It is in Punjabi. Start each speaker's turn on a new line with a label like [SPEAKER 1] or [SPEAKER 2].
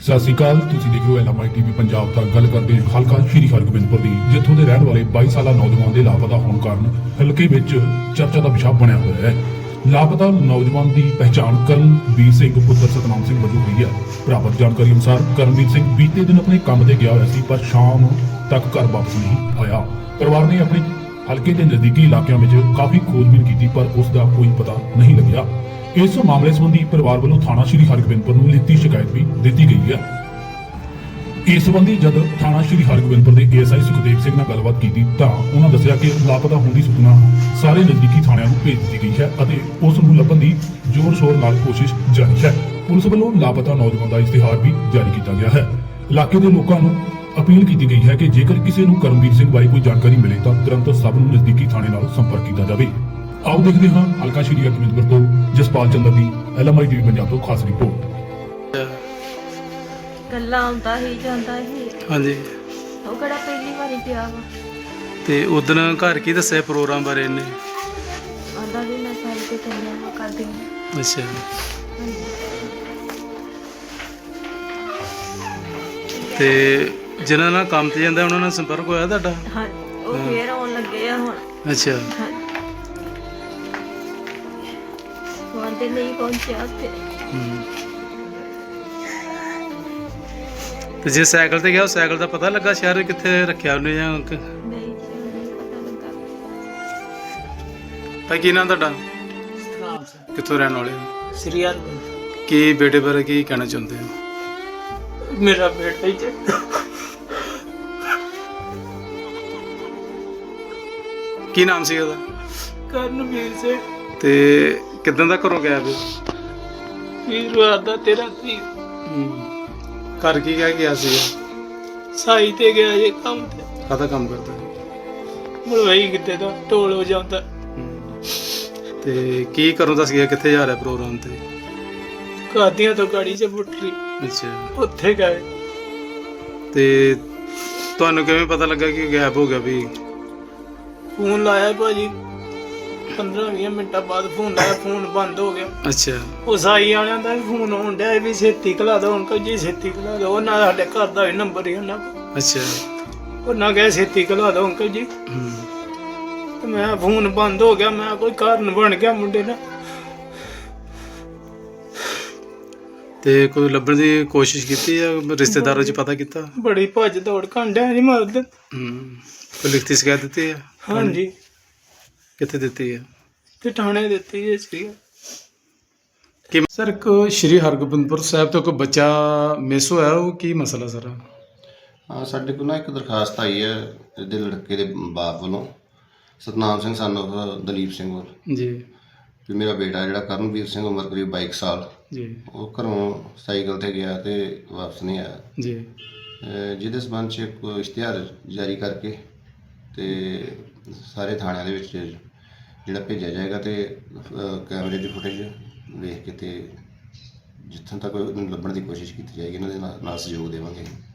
[SPEAKER 1] ਸਤਿ ਸ਼੍ਰੀ ਅਕਾਲ। ਤੁਸੀਂ ਦੇਖ ਰਹੇ ਹੋ LMI TV ਪੰਜਾਬ ਦਾ। ਗੱਲ ਕਰਦੇ ਹਾਂ ਹਲਕਾ ਸ਼੍ਰੀ ਹਰਗੋਬਿੰਦਪੁਰ ਦੀ, ਜਿੱਥੋਂ ਦੇ ਰਹਿਣ ਵਾਲੇ 22 ਸਾਲਾ ਨੌਜਵਾਨ ਦੇ ਲਾਪਤਾ ਹੋਣ ਕਾਰਨ ਹਲਕੇ ਵਿੱਚ ਚਰਚਾ ਦਾ ਵਿਸ਼ਾ ਬਣਿਆ ਹੋਇਆ ਹੈ। ਲਾਪਤਾ ਨੌਜਵਾਨ ਦੀ ਪਹਿਚਾਣ ਕਰਨਵੀਰ ਸਿੰਘ ਪੁੱਤਰ ਸਤਨਾਮ ਸਿੰਘ ਵਜੋਂ ਹੋਈ ਹੈ। ਪ੍ਰਾਪਤ ਜਾਣਕਾਰੀ ਅਨੁਸਾਰ ਕਰਨਵੀਰ ਸਿੰਘ ਬੀਤੇ ਦਿਨ ਆਪਣੇ ਕੰਮ ਤੇ ਗਿਆ ਹੋਇਆ ਸੀ, ਪਰ ਸ਼ਾਮ ਤੱਕ ਘਰ ਵਾਪਸ ਨਹੀਂ ਆਇਆ। ਪਰਿਵਾਰ ਨੇ ਆਪਣੇ ਹਲਕੇ ਦੇ ਨਜ਼ਦੀਕੀ ਇਲਾਕਿਆਂ ਵਿੱਚ ਕਾਫੀ ਖੋਜਬੀਨ ਕੀਤੀ, ਪਰ ਉਸ ਦਾ ਕੋਈ ਪਤਾ ਨਹੀਂ ਲੱਗਿਆ। ਇਸ ਮਾਮਲੇ ਸੰਬੰਧੀ ਪਰਿਵਾਰ ਵੱਲੋਂ ਥਾਣਾ ਸ਼੍ਰੀ ਹਰਗੋਬਿੰਦਪੁਰ ਨੂੰ ਲਿਖਤੀ ਸ਼ਿਕਾਇਤ ਵੀ ਦਿੱਤੀ ਗਈ ਹੈ। ਇਸ ਸੰਬੰਧੀ ਜਦ ਥਾਣਾ ਸ਼੍ਰੀ ਹਰਗੋਬਿੰਦਪੁਰ ਦੇ ASI ਸੁਖਦੇਵ ਸਿੰਘ ਨਾਲ ਗੱਲਬਾਤ ਕੀਤੀ ਤਾਂ ਉਹਨਾਂ ਦੱਸਿਆ ਕਿ ਲਾਪਤਾ ਹੋਣ ਦੀ ਸੂਚਨਾ ਸਾਰੇ ਨਜ਼ਦੀਕੀ ਥਾਣਿਆਂ ਨੂੰ ਭੇਜ ਦਿੱਤੀ ਗਈ ਹੈ ਅਤੇ ਉਸ ਨੂੰ ਲੱਭਣ ਦੀ ਜ਼ੋਰ-ਸ਼ੋਰ ਨਾਲ ਕੋਸ਼ਿਸ਼ ਜਾਰੀ ਹੈ। ਪੁਲਿਸ ਵੱਲੋਂ ਲਾਪਤਾ ਨੌਜਵਾਨ ਦਾ ਇਸ਼ਤਿਹਾਰ ਵੀ ਜਾਰੀ ਕੀਤਾ ਗਿਆ ਹੈ। ਇਲਾਕੇ ਦੇ ਲੋਕਾਂ ਨੂੰ ਅਪੀਲ ਕੀਤੀ ਗਈ ਹੈ ਕਿ ਜੇਕਰ ਕਿਸੇ ਨੂੰ ਕਰਮਵੀਰ ਸਿੰਘ ਬਾਰੇ ਕੋਈ ਜਾਣਕਾਰੀ ਮਿਲੇ ਤਾਂ ਤੁਰੰਤ ਸਭ ਨੂੰ ਨਜ਼ਦੀਕੀ ਥਾਣੇ ਨਾਲ ਸੰਪਰਕ ਕੀਤਾ ਜਾਵੇ। ਆਓ ਦੇਖਦੇ ਹਾਂ ਹਲਕਾ ਸ਼੍ਰੀ ਹਰਗੋਬਿੰਦਪੁਰ ਤੋਂ ਜਸਪਾਲ ਚੰਦਰ ਦੀ LMI TV ਪੰਜਾਬ ਤੋਂ ਖਾਸ ਰਿਪੋਰਟ।
[SPEAKER 2] ਗੱਲਾਂ ਆਉਂਦਾ ਹੀ ਜਾਂਦਾ ਹੀ।
[SPEAKER 3] ਹਾਂਜੀ,
[SPEAKER 2] ਉਹ ਕਿਹੜਾ ਪਹਿਲੀ ਵਾਰੀ ਪਿਆ ਵਾ।
[SPEAKER 3] ਤੇ ਉਦਣ ਘਰ ਕੀ ਦੱਸਿਆ ਪ੍ਰੋਗਰਾਮ ਬਾਰੇ ਇਹਨੇ?
[SPEAKER 2] ਆਂਦਾ ਵੀ ਮੈਂ ਸਾਲ ਤੇ ਚੱਲਿਆ ਵਾ ਕਰਦੀ ਹਾਂ।
[SPEAKER 3] ਅੱਛਾ, ਤੇ ਜਿਨ੍ਹਾਂ ਨਾਲ ਕੰਮ ਤੇ ਜਾਂਦਾ ਉਹਨਾਂ ਨਾਲ ਸੰਪਰਕ ਹੋਇਆ ਤੁਹਾਡਾ?
[SPEAKER 2] ਹਾਂ, ਉਹ ਫੇਰ ਆਉਣ ਲੱਗੇ ਆ ਹੁਣ।
[SPEAKER 3] ਅੱਛਾ,
[SPEAKER 2] ਆਂਦੇ ਨਹੀਂ ਪਹੁੰਚਿਆ ਤੇ
[SPEAKER 3] ਤੇ ਜੇ ਸਾਈਕਲ ਤੇ ਗਿਆ, ਉਹ ਸਾਈਕਲ ਦਾ ਪਤਾ ਲੱਗਾ ਸ਼ਹਿਰ ਕਿੱਥੇ ਰੱਖਿਆ ਉਹਨੇ ਜਾਂ
[SPEAKER 2] ਨਹੀਂ ਪਤਾ ਲੱਗਾ।
[SPEAKER 3] ਭਾਈ ਕੀ ਨਾਮ ਤੁਹਾਡਾ?
[SPEAKER 4] ਸਤਨਾਮ ਸਿੰਘ
[SPEAKER 3] ਕਿੱਥੋਂ ਰਹਿਣ ਵਾਲੇ ਹੋ?
[SPEAKER 4] ਸ੍ਰੀ ਹਰਗੋਬਿੰਦ।
[SPEAKER 3] ਕੀ ਬੇਟੇ ਬਾਰੇ ਕੀ ਕਹਿਣਾ ਚਾਹੁੰਦੇ ਹੋ?
[SPEAKER 4] ਮੇਰਾ ਬੇਟਾ ਹੀ ਤੇ
[SPEAKER 3] ਕੀ ਨਾਮ ਸੀ ਉਹਦਾ?
[SPEAKER 4] ਕਰਨਵੀਰ ਸਿੰਘ।
[SPEAKER 3] ਤੇ ਕਿੱਦਾਂ ਦਾ ਘਰੋਂ ਗਿਆ ਵੀ?
[SPEAKER 4] ਵੀਰਵਾਰ ਦਾ 13 ਤਰੀਕ
[SPEAKER 3] ਘਰ ਕੀ ਕਹਿ ਗਿਆ ਸੀ?
[SPEAKER 4] ਸਾਈ ਤੇ ਗਿਆ ਜੇ ਕੰਮ ਤੇ।
[SPEAKER 3] ਕਾਹਦਾ ਕੰਮ ਕਰਦਾ?
[SPEAKER 4] ਮਲਵਈ ਕਿਤੇ ਦਾ ਢੋਲ ਹੋ ਜਾਂਦਾ।
[SPEAKER 3] ਤੇ ਕੀ ਕਰੋਂ ਦੱਸ ਗਿਆ ਕਿੱਥੇ ਜਾ ਰਿਹਾ ਪ੍ਰੋਗਰਾਮ ਤੇ?
[SPEAKER 4] ਕਾਦੀਆਂ ਤੋਂ ਗਾੜੀ 'ਚ ਬੁੱਟਰੀ
[SPEAKER 3] ਅੱਛਾ,
[SPEAKER 4] ਉੱਥੇ ਗਏ।
[SPEAKER 3] ਤੇ ਤੁਹਾਨੂੰ ਕਿਵੇਂ ਪਤਾ ਲੱਗਾ ਕਿ ਗਾਇਬ ਹੋ ਗਿਆ ਵੀ?
[SPEAKER 4] ਫੋਨ ਲਾਇਆ ਭਾਜੀ, 15-20 ਮਿੰਟਾਂ ਬਾਅਦ ਫੋਨ ਲਾਇਆ, ਫੋਨ ਬੰਦ ਹੋ ਗਿਆ।
[SPEAKER 3] ਅੱਛਾ,
[SPEAKER 4] ਉਹ ਸਾਈ ਵਾਲਿਆਂ ਦਾ ਵੀ ਫੋਨ ਆਉਣ ਡਿਆ ਵੀ ਛੇਤੀ ਘਲਾ ਦੋ ਅੰਕਲ ਜੀ, ਛੇਤੀ ਘਲਾ ਦੋ। ਉਹਨਾਂ ਸਾਡੇ ਘਰ ਦਾ ਵੀ ਨੰਬਰ ਹੀ ਉਹਨਾਂ ਕੋਲ।
[SPEAKER 3] ਅੱਛਾ।
[SPEAKER 4] ਉਹਨਾਂ ਕਹੇ ਛੇਤੀ ਘਲਾ ਦੋ ਅੰਕਲ ਜੀ। ਤੇ ਮੈਂ ਫੋਨ ਬੰਦ ਹੋ ਗਿਆ। ਮੈਂ ਕੋਈ ਕਾਰਨ ਬਣ ਗਿਆ ਮੁੰਡੇ ਨਾਲ।
[SPEAKER 3] ਤੇ ਕੋਈ ਲੱਭਣ ਦੀ ਕੋਸ਼ਿਸ਼ ਕੀਤੀ ਜਾਂ ਰਿਸ਼ਤੇਦਾਰਾਂ 'ਚ ਪਤਾ ਕੀਤਾ?
[SPEAKER 4] ਬੜੀ ਭੱਜ ਦੌੜ ਕਾਂਡਿਆ ਜੀ ਮਰਦ।
[SPEAKER 3] ਕੋਈ ਲਿਖਤੀ ਸ਼ਿਕਾਇਤ ਦਿੱਤੀ ਹੈ?
[SPEAKER 4] ਹਾਂਜੀ,
[SPEAKER 3] ਕਿੱਥੇ ਦਿੱਤੀ ਹੈ?
[SPEAKER 4] ਤੇ ਥਾਣੇ ਦਿੱਤੀ ਜੀ ਸੀ।
[SPEAKER 3] ਕਿ ਸਰ ਕੋ ਸ਼੍ਰੀ ਹਰਗੋਬਿੰਦਪੁਰ ਸਾਹਿਬ ਤੋਂ ਕੋਈ ਬੱਚਾ ਮਿਸ ਹੋਇਆ, ਉਹ ਕੀ ਮਸਲਾ ਸਰ?
[SPEAKER 5] ਹਾਂ, ਸਾਡੇ ਕੋਲ ਨਾ ਇੱਕ ਦਰਖਾਸਤ ਆਈ ਹੈ ਇਹਦੇ ਲੜਕੇ ਦੇ ਬਾਪ ਵੱਲੋਂ, ਸਤਨਾਮ ਸਿੰਘ ਸਨ ਆਫ ਦਲੀਪ ਸਿੰਘ ਵੱਲ,
[SPEAKER 3] ਜੀ
[SPEAKER 5] ਵੀ ਮੇਰਾ ਬੇਟਾ ਜਿਹੜਾ ਕਰਨਵੀਰ ਸਿੰਘ, ਉਮਰ ਕਰੀਬ 22 ਸਾਲ,
[SPEAKER 3] ਜੀ
[SPEAKER 5] ਉਹ ਘਰੋਂ ਸਾਈਕਲ ਤੇ ਗਿਆ ਤੇ ਵਾਪਸ ਨਹੀਂ ਆਇਆ।
[SPEAKER 3] ਜੀ
[SPEAKER 5] ਜਿਹਦੇ ਸੰਬੰਧ 'ਚ ਇੱਕ ਇਸ਼ਤਿਹਾਰ ਜਾਰੀ ਕਰਕੇ ਤੇ ਸਾਰੇ ਥਾਣਿਆਂ ਦੇ ਵਿੱਚ ਜਿਹੜਾ ਭੇਜਿਆ ਜਾਏਗਾ ਤੇ ਕੈਮਰੇ ਦੀ ਫੁਟੇਜ ਵੇਖ ਕੇ ਤੇ ਜਿੱਥੋਂ ਤੱਕ ਉਹਨੂੰ ਲੱਭਣ ਦੀ ਕੋਸ਼ਿਸ਼ ਕੀਤੀ ਜਾਏਗੀ, ਇਹਨਾਂ ਦੇ ਨਾਲ ਸਹਿਯੋਗ ਦੇਵਾਂਗੇ।